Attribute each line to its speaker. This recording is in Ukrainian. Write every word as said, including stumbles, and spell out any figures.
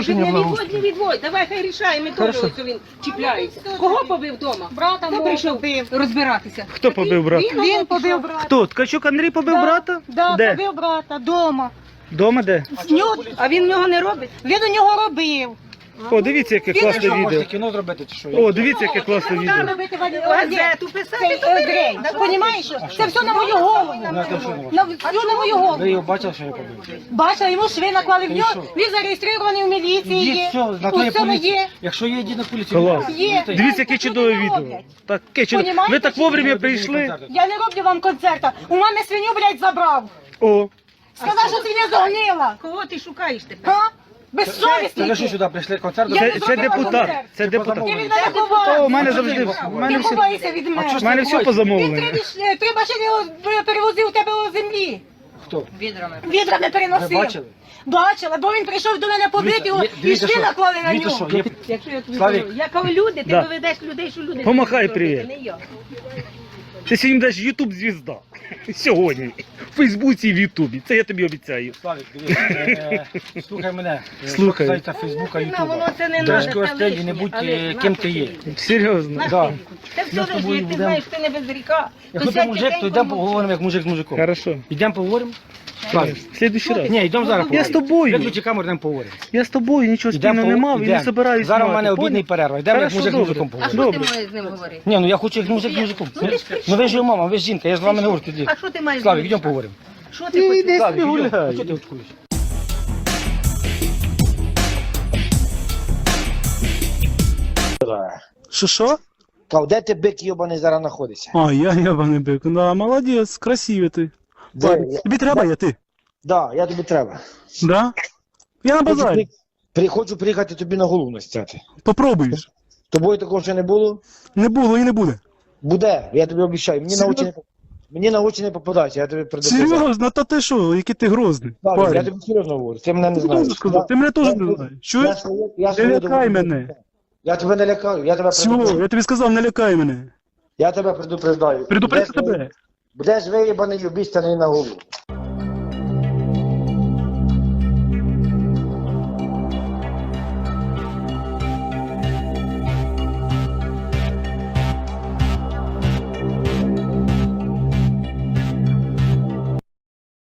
Speaker 1: порушення
Speaker 2: Не відводь, не
Speaker 1: благоустрою.
Speaker 2: відводь, давай хай рішає, ми теж ось він чіпляється. Кого побив вдома?
Speaker 3: Брата
Speaker 2: Хто
Speaker 3: мого
Speaker 2: прийшов
Speaker 3: побив.
Speaker 2: розбиратися?
Speaker 4: Хто побив брата?
Speaker 2: Він,
Speaker 3: Він побив брата.
Speaker 4: Хто? Ткачук Андрій побив
Speaker 3: Да,
Speaker 4: брата?
Speaker 3: Да,
Speaker 4: Де?
Speaker 3: побив брата, дома.
Speaker 4: Дома де?
Speaker 3: З нього-
Speaker 2: А він в нього не робить?
Speaker 3: Він у нього робив.
Speaker 4: О, дивіться, яке
Speaker 3: Він
Speaker 4: класне
Speaker 3: що,
Speaker 4: відео.
Speaker 1: Можете кіно зробити чи що?
Speaker 4: О, дивіться, яке класне
Speaker 3: Куди
Speaker 4: відео.
Speaker 3: робити Вадим?
Speaker 2: Газету писати,
Speaker 3: Цей
Speaker 2: то
Speaker 3: Грей, понімаєш? Це все на мою голову.
Speaker 1: Ну, це що на вас?
Speaker 3: На всю на мою
Speaker 1: Ви
Speaker 3: голову.
Speaker 1: його бачили, що я побив?
Speaker 3: Бачила, йому шви наклали в
Speaker 1: Ти
Speaker 3: нього.
Speaker 1: що?
Speaker 3: Він зареєстрований в міліції.
Speaker 1: Йдіть,
Speaker 3: Є.
Speaker 1: все, на то є
Speaker 3: У цьому
Speaker 1: поліція.
Speaker 3: є.
Speaker 1: Якщо є, йдіть на поліцію.
Speaker 4: Клас.
Speaker 3: Є.
Speaker 4: Дивіться, яке чудове відео. Таке чудове.
Speaker 3: Понімаєте,
Speaker 4: Ви так
Speaker 3: чи
Speaker 4: вовремя
Speaker 1: ні?
Speaker 4: прийшли.
Speaker 3: Я не роблю вам концерта. У мене свиню, блядь, забрав.
Speaker 4: О,
Speaker 3: Сказав, що свиня загнила.
Speaker 2: Кого ти шукаєш тепер?
Speaker 3: А?
Speaker 1: Це ви що
Speaker 3: Безсовісний.
Speaker 1: сюди прийшли концерт?
Speaker 3: Я
Speaker 4: це,
Speaker 3: не
Speaker 4: це
Speaker 3: зробила
Speaker 4: депутат.
Speaker 3: концерт.
Speaker 4: Це депутат.
Speaker 3: Ти від
Speaker 1: Ти
Speaker 3: мене
Speaker 4: О, у
Speaker 3: ховаєш.
Speaker 4: мене завжди. У мене
Speaker 3: Ти
Speaker 4: все,
Speaker 3: ховаєшся від
Speaker 1: А
Speaker 3: мене.
Speaker 1: що ж
Speaker 4: у мене все
Speaker 3: Він
Speaker 4: позамовлено.
Speaker 3: три, віш- три машини о- перевозив у тебе у землі.
Speaker 1: Хто?
Speaker 2: Відрами.
Speaker 3: Відрами
Speaker 1: Ви
Speaker 3: переносив.
Speaker 1: бачили?
Speaker 3: Бачила, бо він прийшов до мене побити
Speaker 1: Дивіться, є-
Speaker 3: і
Speaker 1: дивіться,
Speaker 3: шви
Speaker 1: що-
Speaker 3: наклали на
Speaker 1: дивіться,
Speaker 3: нього.
Speaker 1: що є-
Speaker 2: Якщо я тобі
Speaker 1: Славік.
Speaker 2: кажу, я кажу, люди, ти
Speaker 4: Да.
Speaker 2: доведеш людей, що люди...
Speaker 4: Помахай
Speaker 2: не зроблять,
Speaker 4: привіт.
Speaker 2: не я.
Speaker 4: Ти сьогодні будеш ютуб звізда. Сьогодні. В Фейсбуці і в Ютубі. Це я тобі обіцяю.
Speaker 1: Славік, дивись, е, е, слухай мене. Е,
Speaker 4: Слухай.
Speaker 1: що касається Фейсбука,
Speaker 2: Ну,
Speaker 1: Ютуба.
Speaker 2: воно це не
Speaker 1: Трошки
Speaker 2: надо, це
Speaker 1: остель і
Speaker 2: лишнє,
Speaker 1: не будь
Speaker 2: але
Speaker 1: е,
Speaker 2: на
Speaker 1: ким
Speaker 2: що
Speaker 1: ти є.
Speaker 2: ти?
Speaker 4: Серйозно.
Speaker 2: На
Speaker 1: Да.
Speaker 2: що ти? Це
Speaker 1: Я з
Speaker 2: все
Speaker 1: тобою
Speaker 2: лишнє, ти
Speaker 1: будемо-
Speaker 2: знаєш, ти не без ріка.
Speaker 1: Якщо ти мужик, то йдемо поговоримо як мужик з мужиком.
Speaker 4: Хорошо.
Speaker 1: Йдемо поговоримо? Славік.
Speaker 4: В следующий раз.
Speaker 1: Ні, йдемо зараз
Speaker 4: Я з тобою.
Speaker 1: Виключи камеру, йдемо поговоримо.
Speaker 4: Я з тобою нічого
Speaker 1: Йдемо
Speaker 4: спільного не мав і не
Speaker 1: йдемо.
Speaker 4: собираюсь.
Speaker 1: Зараз у
Speaker 4: мати,
Speaker 1: мене
Speaker 4: поняв?
Speaker 1: обідний перерва. Йдемо як
Speaker 4: Хорошо,
Speaker 1: мужик з
Speaker 4: добре.
Speaker 1: мужиком
Speaker 2: А
Speaker 1: поговоримо.
Speaker 2: що ти
Speaker 4: Добре.
Speaker 2: маєш з ним говорити?
Speaker 1: Ні, ну я хочу як мужик з мужиком.
Speaker 2: Ну, ти ж
Speaker 1: Ну ви ж його мама, ви ж жінка, я ж з вами не говорю тоді.
Speaker 2: А що ти маєш з
Speaker 1: Славік,
Speaker 2: ним?
Speaker 1: йдемо поговоримо.
Speaker 2: Що ти хочеш?
Speaker 4: Іди
Speaker 1: Славік,
Speaker 4: собі
Speaker 1: йдемо. А
Speaker 4: гуляй.
Speaker 1: що ти очкуєш?
Speaker 4: Що що?
Speaker 5: Кав, де ти бик йобаний зараз знаходиться?
Speaker 4: А, я ябаний бик. Да, молодець, красивий ти.
Speaker 5: Де?
Speaker 4: Ладно,
Speaker 5: Я-
Speaker 4: тобі треба, я ти.
Speaker 5: Да, я тобі треба.
Speaker 4: Да? Я на
Speaker 5: Хочу,
Speaker 4: базарі.
Speaker 5: при... при- хочу приїхати тобі на голову настяти.
Speaker 4: Попробуєш.
Speaker 5: Тобою такого ще не було?
Speaker 4: Не було і не буде.
Speaker 5: Буде, я тобі обіцяю. Мені на очі не, мені на очі не попадайся, я тобі предупреждаю.
Speaker 4: Серйозно, та ти що, який ти грозний.
Speaker 5: Славік, я
Speaker 4: Парень.
Speaker 5: тобі серйозно говорю, ти мене не
Speaker 4: Ти
Speaker 5: знаєш.
Speaker 4: можеш сказати, ти мене теж
Speaker 5: я-
Speaker 4: не знаєш.
Speaker 5: Я,
Speaker 4: Чуєш?
Speaker 5: своє- я,
Speaker 4: Не
Speaker 5: своє
Speaker 4: лякай
Speaker 5: думаю.
Speaker 4: мене.
Speaker 5: Я тебе не лякаю, я тебе
Speaker 4: Все,
Speaker 5: предупреждаю.
Speaker 4: я тобі сказав, не лякай мене.
Speaker 5: Я тебе предупреждаю.
Speaker 4: Предупредь
Speaker 5: Будеш-
Speaker 4: тебе.
Speaker 5: Будеш виїбаний, обіцяний на голову.